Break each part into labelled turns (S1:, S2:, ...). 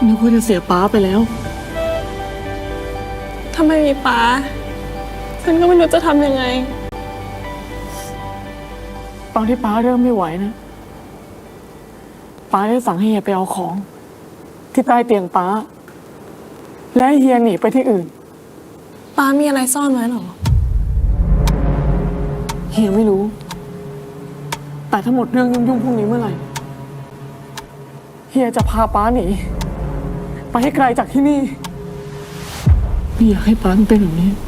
S1: นึกว่าจะเสียป้าไปแล้ว
S2: ถ้าไม่มีป้าฉันก็ไม่รู้จะทำยังไง
S1: ตอนที่ป้าเริ่มไม่ไหวนะป้าได้สั่งให้เฮียไปเอาของที่ใต้เตียงป้าและให้เฮียหนีไปที่อื่น
S2: ป้ามีอะไรซ่อนไว้หรอ
S1: เฮียไม่รู้แต่ถ้าหมดเรื่องยุ่งๆพวกนี้เมื่อไหร่เฮียจะพาป้าหนีไปให้ไกลจากที่นี่ไม่อยากให้ป้าเป็นแบบนี้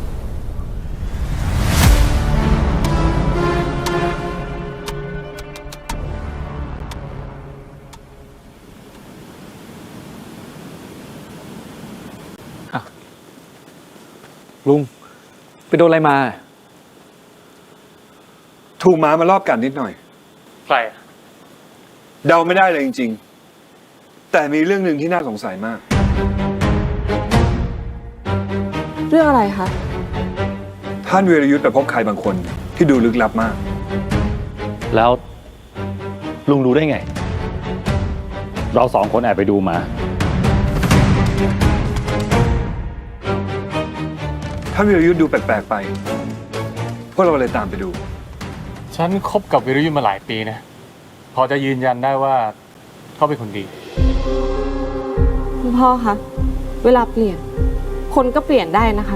S3: ลุงไปโดนอะไรมา
S4: ถูกหมามารอบกัดนิดหน่อย
S3: ใคร
S4: เดาไม่ได้เลยจริงๆแต่มีเรื่องหนึ่งที่น่าสงสัยมาก
S2: เรื่องอะไรคะ
S4: ท่านวีรยุทธ์ไปพบใครบางคนที่ดูลึกลับมาก
S5: แล้วลุงรู้ได้ไงเราสองคนแอบไปดูมา
S4: ท่านวีรยุทธ์ดูแปลกๆไปพวกเราเลยตามไปดู
S3: ฉันคบกับวิรยุทธ์มาหลายปีนะพอจะยืนยันได้ว่าเขาเป็นคนดี
S2: คุณพ่อคะเวลาเปลี่ยนคนก็เปลี่ยนได้นะคะ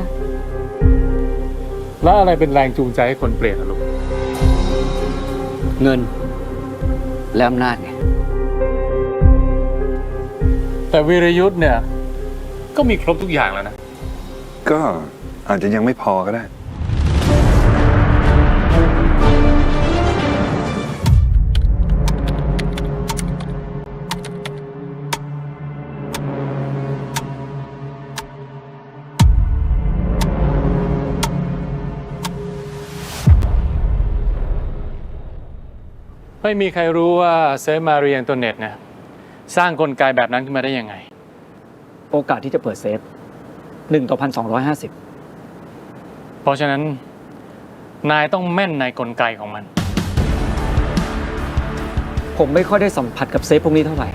S3: แล้วอะไรเป็นแรงจูงใจให้คนเปลี่ยนลูก
S6: เงินและอำนาจไง
S3: แต่วีรยุทธ์เนี่ยก็มีครบทุกอย่างแล้วนะ
S4: ก็อาจจะยังไม่พอก็ได้
S3: ไม่มีใครรู้ว่าเซฟมาเรียนตัวเน็ตเนี่ยสร้างกลไกแบบนั้นขึ้นมาได้ยังไง
S6: โอกาสที่จะเปิดเซฟ1/1250
S3: เพราะฉะนั้นนายต้องแม่นในกลไกของมัน
S6: ผมไม่ค่อยได้สัมผัสกับเซฟพวกนี้เท่าไหร่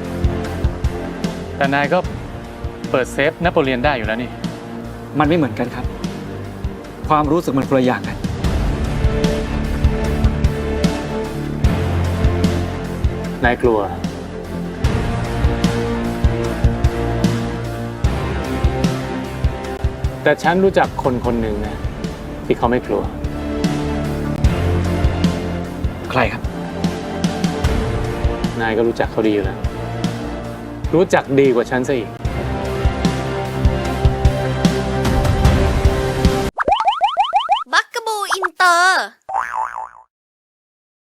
S3: แต่นายก็เปิดเซฟนโปเลียนได้อยู่แล้วนี่
S6: มันไม่เหมือนกันครับความรู้สึกมันคนละอย่างกัน
S3: นายกลัวแต่ฉันรู้จักคนคนหนึ่งนะที่เขาไม่กลัว
S6: ใครครับ
S3: นายก็รู้จักเขาดีอยู่แล้วรู้จักดีกว่าฉันซะอีก
S7: บักกะบูอินเตอร์